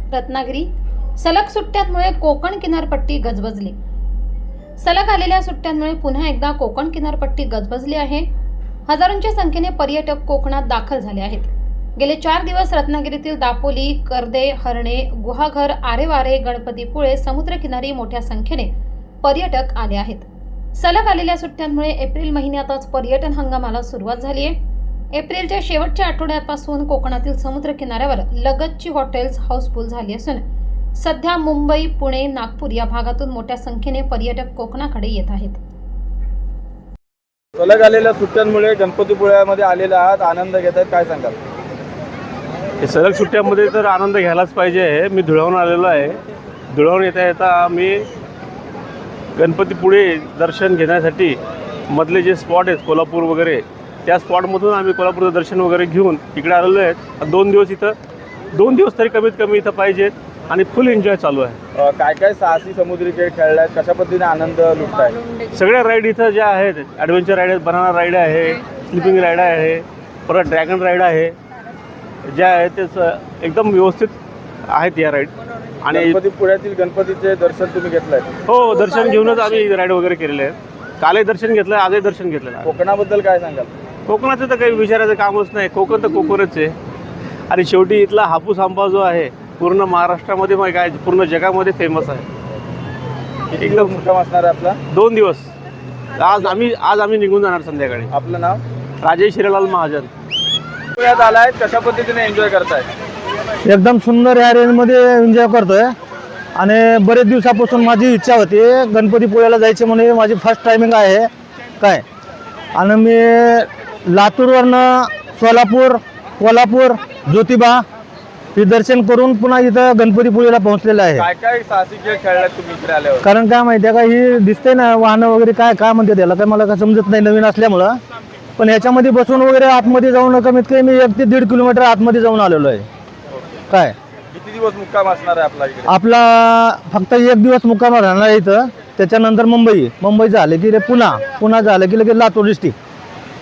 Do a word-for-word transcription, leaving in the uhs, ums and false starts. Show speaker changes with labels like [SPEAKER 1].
[SPEAKER 1] रत्नागिरी. सलग सुट्ट्यांमुळे कोकण किनारपट्टी गजबजली. सलग आलेल्या सुट्ट्यांमुळे पुन्हा एकदा कोकण किनारपट्टी गजबजली आहे. हजारोंच्या संख्येने पर्यटक कोकणात दाखल झाले आहेत. गेले चार दिवस रत्नागिरीतील दापोली, कर्दे, हरणे, गुहागर, आरेवारे, गणपतीपुळे समुद्रकिनारी मोठ्या संख्येने पर्यटक आले आहेत. सलग आलेल्या सुट्ट्यांमुळे एप्रिल महिन्यातच पर्यटन हंगामाला सुरुवात झाली आहे. एप्रिलच्या शेवटच्या आठवड्यापासून कोकणातील समुद्र किनाऱ्यावर लगतची हॉटेल्स हाऊसफुल झाली असून सध्या मुंबई, पुणे, नागपूर या भागातून मोठ्या संख्येने पर्यटक कोकणाकडे येत आहेत.
[SPEAKER 2] सलग आलेल्या सुट्ट्यांमुळे गणपतीपुळ्यामध्ये आलेले आहात, आनंद घेत आहेत, काय सांगाल?
[SPEAKER 3] हे सलग सुट्ट्यामध्ये तर आनंद घ्यायलाच पाहिजे. मी धुळ्याहून आलेलो आहे. धुळ्याहून येता येता मी गणपतीपुळे दर्शन घेण्यासाठी मधले जे स्पॉट आहेत कोल्हापूर वगैरे, त्या स्पॉटमधून आम्ही कोल्हापूरचं दर्शन वगैरे घेऊन इकडे आलेलो आहेत. दोन दिवस इथं दोन दिवस तरी कमीत कमी इथं पाहिजेत आणि फुल एन्जॉय चालू आहे.
[SPEAKER 2] काय काय साहसी समुद्री खेळ खेळले आहेत, कशा पद्धतीने आनंद लुटताय?
[SPEAKER 3] सगळ्या राईड इथं ज्या आहेत, ॲडव्हेंचर राईड आहेत, बनाना राईड आहे, स्लिपिंग राईड आहे, परत ड्रॅगन राईड आहे, ज्या आहेत ते एकदम व्यवस्थित आहेत या राईड. आणि
[SPEAKER 2] गणपतीपुळ्यातील गणपतीचे दर्शन तुम्ही घेतलंय?
[SPEAKER 3] हो, दर्शन घेऊनच आम्ही राईड वगैरे केलेले आहेत. कालही दर्शन घेतलं, आजही दर्शन घेतलेलं आहे.
[SPEAKER 2] कोकणाबद्दल काय सांगाल?
[SPEAKER 3] कोकणाचं तर काही विचारायचं कामच नाही. कोकण तर कोकणच आहे. आणि शेवटी इथला हापूस आंबा जो आहे पूर्ण महाराष्ट्रामध्ये मग काय पूर्ण जगामध्ये फेमस आहे.
[SPEAKER 2] एकदम मुक्काम असणार आहे आपला?
[SPEAKER 3] दोन दिवस. आज आम्ही आज आम्ही निघून जाणार संध्याकाळी.
[SPEAKER 2] आपलं नाव?
[SPEAKER 3] राजेश हिरालाल महाजन.
[SPEAKER 2] पुण्यात आलाय, कशा पद्धतीने एन्जॉय करताय?
[SPEAKER 4] एकदम सुंदर या रेंजमध्ये एन्जॉय करतोय. आणि बरेच दिवसापासून माझी इच्छा होती गणपतीपुळ्याला जायची म्हणून माझी फर्स्ट टायमिंग आहे काय. आणि मी लातूरवरनं सोलापूर, कोल्हापूर, ज्योतिबा हे दर्शन करून पुन्हा इथं गणपतीपुळेला पोहोचलेलं आहे.
[SPEAKER 2] काय काय साहसी खेळ खेळलात तुम्ही इकडे आल्यावर?
[SPEAKER 4] कारण काय माहिती आहे का, ही दिसते ना वाहनं वगैरे काय काय म्हणते त्याला, काय मला काय समजत नाही नवीन असल्यामुळं. पण ह्याच्यामध्ये बसून वगैरे आतमध्ये जाऊन कमीत कमी मी एक ते दीड किलोमीटर आतमध्ये जाऊन आलेलो आहे काय.
[SPEAKER 2] किती दिवस मुक्काम असणार आहे आपला इकडे?
[SPEAKER 4] आपला फक्त एक दिवस मुक्काम राहणार आहे इथं. त्याच्यानंतर मुंबई मुंबई झालं की रे पुन्हा पुन्हा झालं की लगेच लातूर डिस्ट्रिक्ट.